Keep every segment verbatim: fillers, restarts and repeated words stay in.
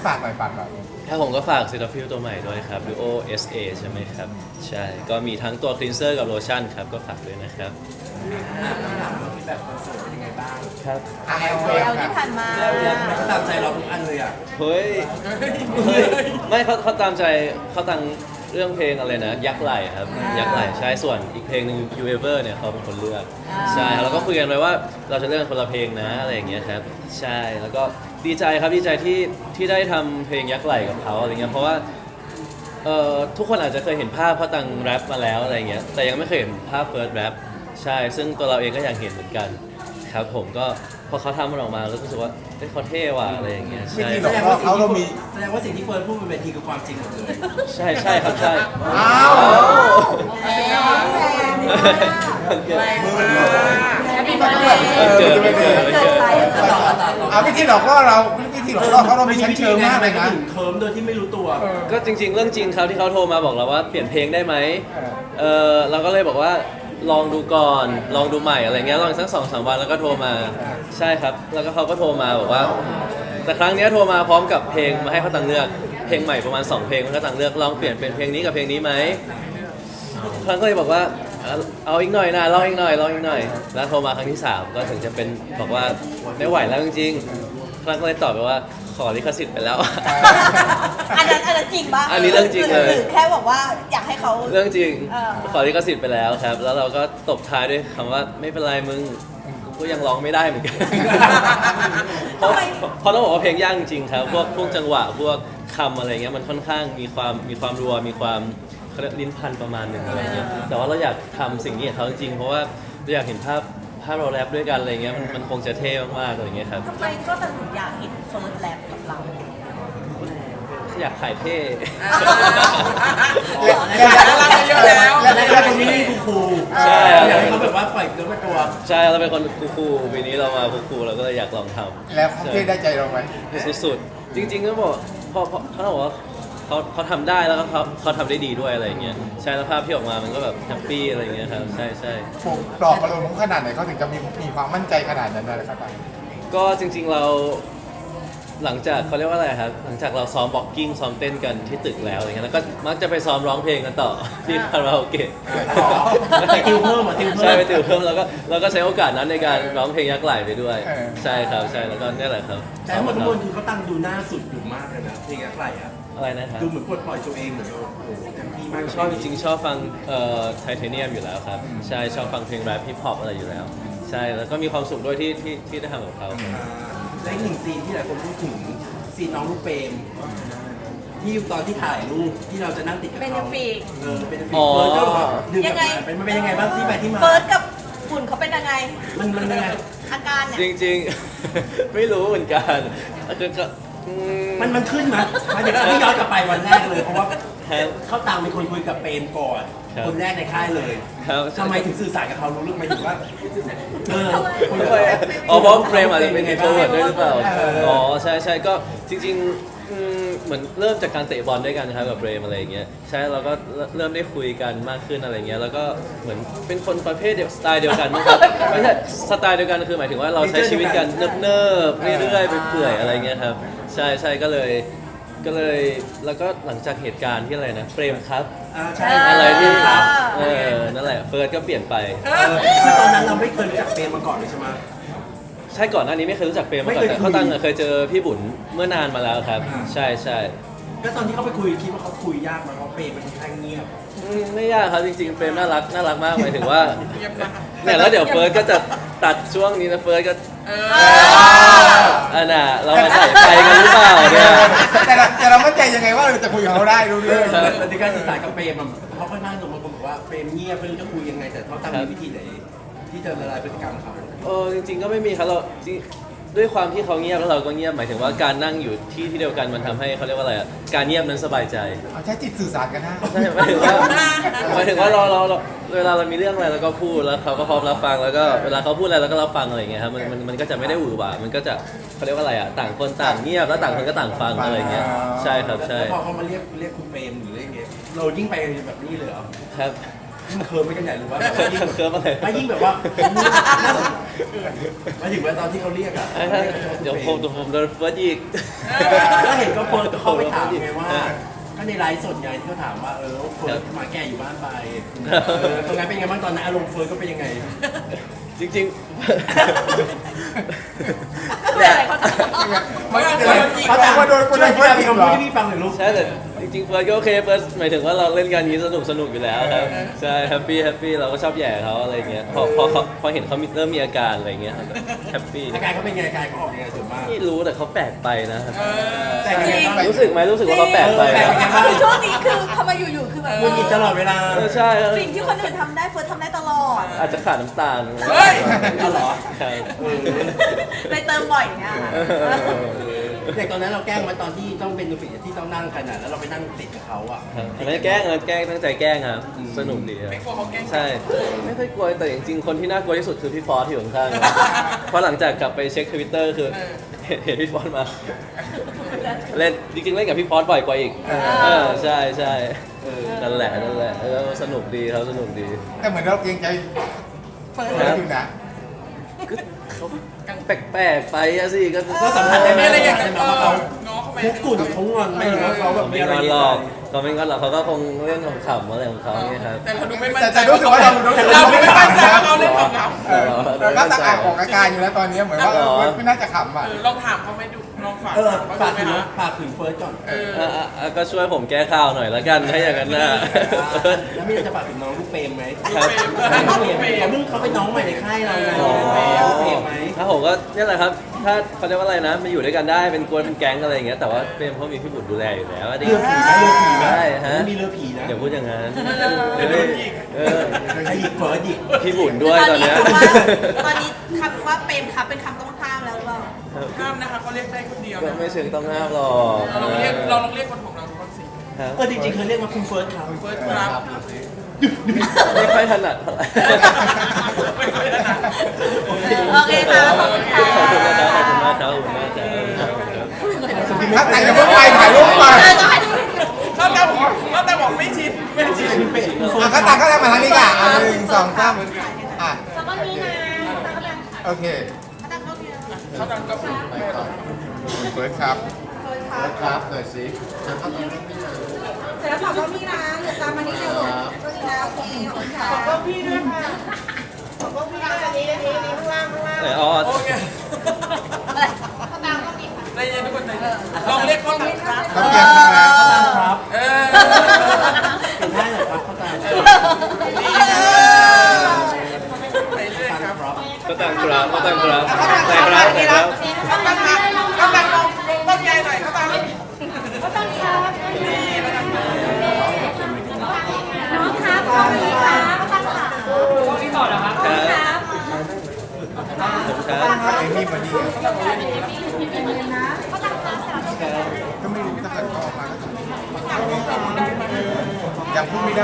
ฝากหน่อยฝากหน่อยถ้าผมก็ฝากซิตาฟิลตัวใหม่ด้วยครับ Duo เอส เอ ใช่ไหมครับใช่ก็มีทั้งตัวคลีนเซอร์กับโลชั่นครับก็ฝากด้วยนะครับแบบคอนเสิร์ตเป็นยังไงบ้างครับอ่ะแอลเอลที่ผ่านมาแล้วแล้วเขาตามใจเราทุกอันเลยอ่ะเฮ้ยเฮ้ยไม่เขาเขาตามใจเขาตั้งเรื่องเพลงอะไรนะยักษ์ไหลครับยักษ์ไหลใช่ส่วนอีกเพลงหนึ่ง You Ever เนี่ยเขาเป็นคนเลือกใช่แล้วก็คุยกันไว้ว่าเราจะเลือกคนละเพลงนะอะไรอย่างเงี้ยครับใช่แล้วก็ดีใจครับดีใจที่ที่ได้ทำเพลงยักษ์ไหลกับเขาอะไรเงี้ยเพราะว่าเอ่อทุกคนอาจจะเคยเห็นภาพเขาตั้งแรปมาแล้วอะไรเงี้ยแต่ยังไม่เคยเห็นภาพเฟิร์สแรปใช่ซึ่งตัวเราเองก็อยากเห็นเหมือนกันครับผมก็พอเขาทำมันออกมาแล้วรู้สึกว่าเฮ้ยเขาเท่ว่ะอะไรอย่างเงี้ยใช่แสดงว่าเขาเรามีแสดงว่าสิ่งที่เฟิร์นพูดบนเวทีคือความจริงหมดเลยใช่ใช่ครับใช่อ้าวมือมันเลยเออจะไม่เกิดไม่เกิดอ่ะวิธีหลอกล่อเราวิธีหลอกล่อเขาเรามีชั้นเชิงมากเลยนะถึงเคิร์มโดยที่ไม่รู้ตัวก็จริงๆเรื่องจริงเขาที่เขาโทรมาบอกเราว่าเปลี่ยนเพลงได้ไหมเออเราก็เลยบอกว่าลองดูก่อนลองดูใหม่อะไรเงี้ยลองสักสองสามวันแล้วก็โทรมาใช่ครับแล้วก็เขาก็โทรมาบอกว่าแต่ครั้งนี้โทรมาพร้อมกับเพลงมาให้เขาตังเลือกเพลงใหม่ประมาณสองเพลงเขาตังเลือกลองเปลี่ยนเป็นเพลงนี้กับเพลงนี้ไหมครั้งก็เลยบอกว่าเอาอีกหน่อยนะลองอีกหน่อยลองอีกหน่อยแล้วโทรมาครั้งที่สามก็ถึงจะเป็นบอกว่าไม่ไหวแล้วจริงๆครั้งก็เลยตอบไปว่าขอลิขสิทธิ์ไปแล้วอันนั้นอันนั้นจริงปะอันนี้เรื่องจริงเลยหรือแค่บอกว่าอยากให้เขาเรื่องจริงขอลิขสิทธิ์ไปแล้วครับแล้วเราก็ตบท้ายด้วยคำว่าไม่เป็นไรมึงก็ยังร้องไม่ได้เหมือนกันเพราะเพราะต้องบอกว่าเพลงยากจริงครับพวกพวกจังหวะพวกคำอะไรเงี้ยมันค่อนข้างมีความมีความรัวมีความลิ้นพันประมาณหนึ่งอะไรเงี้ยแต่ว่าเราอยากทำสิ่งนี้กับเขาจริงๆเพราะว่าเราอยากเห็นภาพภาพเราแรปด้วยกันอะไรเงี้ยมันมันคงจะเท่มากๆอะไรเงี้ยครับทำไมก็ถึงอยากเห็นเฟิร์สแรปกับเราอยากขายเท่แล้วแล้วคนนี้คูคูใช่อยากให้เขาแบบว่าปล่อยเนื้อตัวใช่เราเป็นคนคูลๆปีนี้เรามาคูลๆเราก็เลยอยากลองทำแล้วเขาเท่ได้ใจเราไหมสุดๆจริงๆก็บอกพอเขาบอกว่าเขาเขาทำได้แล้วก็เขาเขาทำได้ดีด้วยอะไรอย่างเงี้ยใช่แล้วภาพที่ออกมามันก็แบบแฮปปี้อะไรอย่างเงี้ยครับใช่ใช่ผมปลอบประโลมเขาขนาดไหนเขาถึงจะมีมีความมั่นใจขนาดนั้นนะครับก็จริงๆเราหลังจากเขาเรียกว่าอะไรครับหลังจากเราซ้อมบ็อกกิ้งซ้อมเต้นกันที่ตึกแล้วอะไรเงี้ยแล้วก็มักจะไปซ้อมร้องเพลงกันต่อที่คาราโอเกะไปติวเพิ่มอ่ะติวเพิ่มใช่ไปติวเพิ่มแล้วก็เราก็ใช้โอกาสนั้นในการร้องเพลงยักษ์ไหลไปด้วยใช่ครับใช่แล้วก็นี่แหละครับแต่ทั้งหมดทั้งมวลคือเขาตั้งดูหน้าสุดอยู่มากเลยนะเพลงยักษ์ไหลอ่ะอะไรนะครับดูเหมือนปลดปล่อยตัวเองเหมือนโอ้โหเต็มที่มากชอบจริงๆชอบฟังเอ่อไทเทเนียมอยู่แล้วครับใช่ชอบฟังเพลงแรปฮิปฮอปอะไรอยู่แล้วใช่แล้วก็มีความสุขด้วยที่ที่ที่ได้ทำกับเขาและอีกหนึ่งซีนที่หลายคนพูดถึงซีนน้องลูกเปรมที่ตอนที่ถ่ายรูปที่เราจะนั่งติดกับเขาเป็นฟีกเออเป็นฟีกเฟิร์สก็ดึงกลับมาเป็นมันเป็นยังไงบ้างที่ไปที่มาเฟิร์สกับฝุ่นเขาเป็นยังไงมันมันยังไงอาการเนี่ยจริงๆไม่รู้เหมือนกันคือก็มันมันขึ้นมาหมายถึงที่ย้อนกลับไปวันแรกเลยเพราะว่าเขาตามเป็นคนคุยกับเปรมก่อนคนแรกในค่ายเลยทำไมถึงสื่อสารกับเขารู้เรื่องไหมถึงว่าเอออ๋อเพราะเปรมอาจจะเป็นไงโปรเวิร์ดด้วยหรือเปล่าอ๋อใช่ใช่ก็จริงๆเหมือนเริ่มจากการเตะบอลด้วยกันนะครับกับเปรมอะไรอย่างเงี้ยใช่เราก็เริ่มได้คุยกันมากขึ้นอะไรเงี้ยแล้วก็เหมือนเป็นคนประเภทเดียวสไตล์เดียวกันนะครับไม่ใช่สไตล์เดียวกันคือหมายถึงว่าเราใช้ชีวิตกันเนิบๆเรื่อยๆไปเปื่อยอะไรเงี้ยครับใช่ใช่ก็เลยก็เลยแล้วก็หลังจากเหตุการณ์ที่อะไรนะเปรมครับอะไรที่ครับเออนั่นแหละเฟิร์สก็เปลี่ยนไปคือตอนนั้นเราไม่เคยรู้จักเปรมมาก่อนเลยใช่ไหมใช่ก่อนหน้านี้ไม่เคยรู้จักเปรมมาก่อนแต่เขาตั้งเคยเจอพี่บุญเมื่อนานมาแล้วครับใช่ใช่ก็ตอนที่เขาไปคุยคิดว่าเขาคุยยากมั้ยเพราะเปรมมันค่อนข้างเงียบไม่ยากครับจริงๆเปรมน่ารักน่ารักมากหมายถึงว่าเนี่ยแล้วเดี๋ยวเฟิร์สก็จะตัดช่วงนี้นะเฟิร์สก็อันน่ะเรามาใส่ใจกันหรือเปล่าเนี่ยแต่แต่เรามั่นใจยังไงว่าเราจะคุยกับเขาได้รู้เรื่องในการสื่อสารกับเปรมเขาค่อนข้างตรงมาบอกว่าเปรมเงียบไม่รู้จะคุยยังไงแต่เขาตั้งวิธีไหนที่จะละลายพฤติกรรมเขาเออจริงๆก็ไม่มีครับเราด้วยความที่เขาเงียบแล้วเราก็เงียบหมายถึงว่าการนั่งอยู่ที่ที่เดียวกันมันทำให้เขาเรียกว่าอะไรอ่ะการเงียบนั้นสบายใจใช้จิตสื่อสารกันนะใช่หมายถึงว่าหมายถึงว่าเราเราเวลาเรามีเรื่องอะไรเราก็พูดแล้วเขาก็พร้อมรับฟังแล้วก็เวลาเขาพูดอะไรเราก็รับฟังอะไรอย่างเงี้ยครับมันมันมันก็จะไม่ได้หวือหวามันก็จะเขาเรียกว่าอะไรอ่ะต่างคนต่างเงียบแล้วต่างคนก็ต่างฟังอะไรอย่างเงี้ยใช่ครับใช่พอเขามาเรียกเรียกคุณเปรมหรือเรียกเงี้ยเรายิ่งไปแบบนี้เลยเหรอครับยิ่งเคิร์มไม่กันใหญ่หรือว่าเคิร์มเคิร์มอะไรไม่ยิ่งแบบว่ามาถึงว่าตอนที่เขาเรียกอะเอ้ยถ้าเดี๋ยวผมเดี๋ยวผมโดนเฟิร์สอีกแล้วเห็นก็เฟิร์สเขาไปถามไงว่าก็ในไลฟ์สดไงที่เขาถามว่าเออเฟิร์สมาแก่อยู่บ้านไปเออตรงนั้นเป็นไงบ้างตอนนั้นอารมณ์เฟิร์สก็เป็นยังไงจริงไม่อะไรเขาจะไม่เกิดเขาเขาแต่แต่ว่าโดนคนช่วยเฟิร์สพี่อีกเหรอให้พี่ฟังหน่อยลูกๆ ใช่แต่จริงๆเฟิร์สก็โอเคเฟิร์สหมายถึงว่าเราเล่นกันนี้สนุกสนุกอยู่แล้วครับใช่แฮปปี้แฮปปี้เราก็ชอบแหย่เขาอะไรเงี้ยพอพอเขาพอเห็นเขามีเริ่มมีอาการอะไรเงี้ยแฮปปี้อาการเขาเป็นไงอาการเขาออกยังไงส่วนมากไม่รู้แต่เขาแปลกไปนะครับแต่ยังไงบ้างรู้สึกไหมรู้สึกว่าเขาแปลกไปแปลกนะยังไงบ้างคือช่วงนี้คือทำไมอยู่ๆคือแบบมึนกินตลอดเวลาเออใช่ครับสิ่งที่คนอื่นทำได้เฟิร์สทำได้ตลอดอาจจะขาดน้ำตาลเฮ้ยเอาเหรอใช่เออเลยเติมบ่อยอย่างเงี้ยค่ะอย่างตอนนั้นเราแกล้งมาตอนที่ต้องเป็นดูฟิที่ต้องนั่งกันอ่ะแล้วเราไปนั่งติดกับเขาอ่ะครับอันนั้นแกล้งนะแกล้งตั้งใจแกล้งครับสนุกดีครับไม่กลัวเขาแกล้งใช่ ไม่ค่อยกลัวแต่จริงๆคนที่น่ากลัวที่สุดคือพี่ฟอสที่อยู่ข้างๆเพราะหลังจากกลับไปเช็คทวิตเตอร์คือเห็นเห็นพี่ฟอสมา เล่นจริงๆเล่นกับพี่ฟอสบ่อยกว่าอีกเออใช่ใช่เออนั่นแหละนั่นแหละเออสนุกดีครับสนุกดีแต่เหมือนเราเกรงใจเฟิร์สอยู่นะก็เขาแปลกๆไปอะสิก็ก็สัมผัสได้ไหมไม่อะไรอย่างสัเงี้มยผัสได้ไหมว่าเขาง้อเขาไหมคุกกุ่นเขางอนไหมหรือว่าเขาแบบมีไม่อะไรงอนในหรใจอกเขาไม่งอนหรอกเขาก็คงเล่นขำๆอะไรของเขาเนี่ยครับแต่เราดูไม่มั่นแต่ใจแต่รู้สึกว่าเราเราไม่มั่นใจว่าเขาเล่นของเราเออเราก็ตะอากออกอาการอยู่แล้วตอนนี้เหมือนว่าเออเฟิร์สไม่น่าจะขำอ่ะเออลองถามเขาไหมดูลองฝากเออเขาฝากดูถึงไหมนะฝากถึงเฟิร์สก่อนเอออ่ะอ่ะอ่ะก็ช่วยผมแก้ข่าวหน่อยละกันถ้าอย่างนั้นนะแล้วมีอะไรจะฝากถึงน้องลูกเปรมไหมครับเขาเพิ่งเขาเป็นน้องใหม่ในค่ายเราไงลูกเปรมไหมถ้าผมก็นี่แหละครับ ถ้าเขาเรียกว่าอะไรนะมาอยู่ด้วยกันได้เป็นกวนเป็นแก๊งอะไรอย่างเงี้ยแต่ว่าเป็นเพราะมีพี่บุตรดูแลอยู่แล้วเรือผีนะเรือผีนะใช่ฮะมีเรือผีนะอย่าพูดอย่างนั้นเดี๋ยวได้เออใครหยิกเฟิร์สหยิกพี่บุญด้วยตอนเนี้ยตอนนี้คำว่าเปรมครับเป็นคำต้องห้ามแล้วหรือเปล่าห้ามนะคะเขาเรียกได้คนเดียวก็นะไม่เชิงต้องห้ามหรอกเราลองเรียกเราลองเรียกคนของเราทุกคนสิครับเออจริงๆเคยเรียกว่าคุณเฟิร์สครับเฟิร์สครับไม่ค่อยถนัดเท่าไหร่ไม่ค่อยถนัดโอเคค่ะขอบคุณค่ะขอบคุณนะครับขอบคุณมากครับขอบคุณมากครับถ้าแต่งจะเพิ่งไปถ่ายรูปมาเขาแต่บอกเขาแต่บอกไม่ชินไม่ชินอ่ะเขาต่างก็ทำมาทางนี้ก่ะอ่ะหนึ่งสองสามอ่ะแล้วก็มีนะโอเคเขาแต่ก็พูดไม่หรอกเฟิร์สครับเฟิร์สครับครับหน่อยสิเสร็จแล้วขอบคุณพี่นะเดี๋ยวตามมานี่เร็วก็ดีนะโอเคขอบคุณค่ะขอบคุณพี่ด้วยค่ะขอบคุณพี่ด้วยอันนี้อันนี้อันนี้ข้างล่างข้างล่างไหนอ๋อโอเคอะไรข้างล่างก็มีค่ะใจเย็นทุกคนใจเย็นลองเรียกเขาต่างครับต้องเตรียมนะครับเออเป็นได้เหรอครับเข้าใจไปเรื่อยครับครับก็ต่างครับก็ต่างครับแต่ครับแต่ครับเขาตั้งครับเขาตั้งลงต้นใหญ่หน่อยเขาตั้งก็ต้องครับน้องครับขอบคุณค่ะต้องค่ะครับผมครับไอ้นี่มันดีก็ไม่รู้ถ้าเกิดออกมายังพูดไม่ได้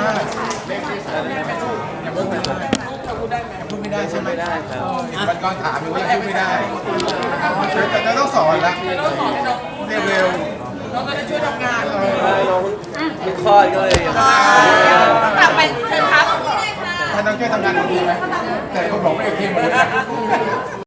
ยังพูดไม่ได้ยังพูดไม่ได้ใช่ไหมไม่ได้ครับมันก่อนถามอยู่ว่ายังพูดไม่ได้แต่เราต้องสอนละต้องสอนให้น้องพูดเร็วน้องจะได้ช่วยทำงานใช่น้องเพิ่งคลอดก็เลยยังต้องกลับไปเชิญครับๆถ้าน้องช่วยทำงานดีไหมแต่ก็บอกไม่โอเคหมดเลย